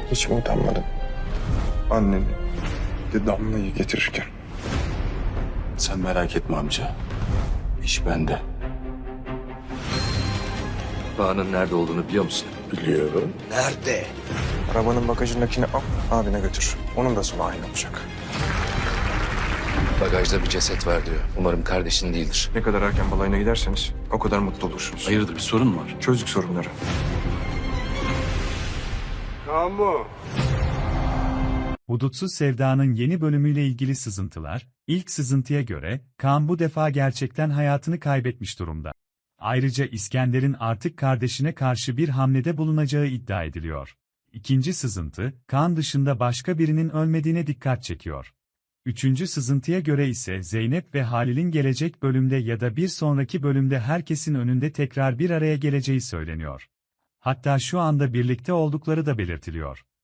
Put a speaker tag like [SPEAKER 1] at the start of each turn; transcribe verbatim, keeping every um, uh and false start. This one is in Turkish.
[SPEAKER 1] Hiç mi utanmadın? Anneni de Damla'yı getirirken.
[SPEAKER 2] Sen merak etme amca. İş bende.
[SPEAKER 3] Kaan'ın nerede olduğunu biliyor musun?
[SPEAKER 2] Biliyorum.
[SPEAKER 3] Nerede?
[SPEAKER 1] Arabanın bagajındakini al, abine götür. Onun da sonu aynı olacak.
[SPEAKER 3] Bagajda bir ceset var diyor. Umarım kardeşin değildir.
[SPEAKER 1] Ne kadar erken balayına giderseniz o kadar mutlu olursunuz.
[SPEAKER 2] Hayırdır, bir sorun mu var?
[SPEAKER 1] Çözdük sorunları.
[SPEAKER 4] Hudutsuz Sevda'nın yeni bölümüyle ilgili sızıntılar, ilk sızıntıya göre, Kaan bu defa gerçekten hayatını kaybetmiş durumda. Ayrıca İskender'in artık kardeşine karşı bir hamlede bulunacağı iddia ediliyor. İkinci sızıntı, Kaan dışında başka birinin ölmediğine dikkat çekiyor. Üçüncü sızıntıya göre ise Zeynep ve Halil'in gelecek bölümde ya da bir sonraki bölümde herkesin önünde tekrar bir araya geleceği söyleniyor. Hatta şu anda birlikte oldukları da belirtiliyor.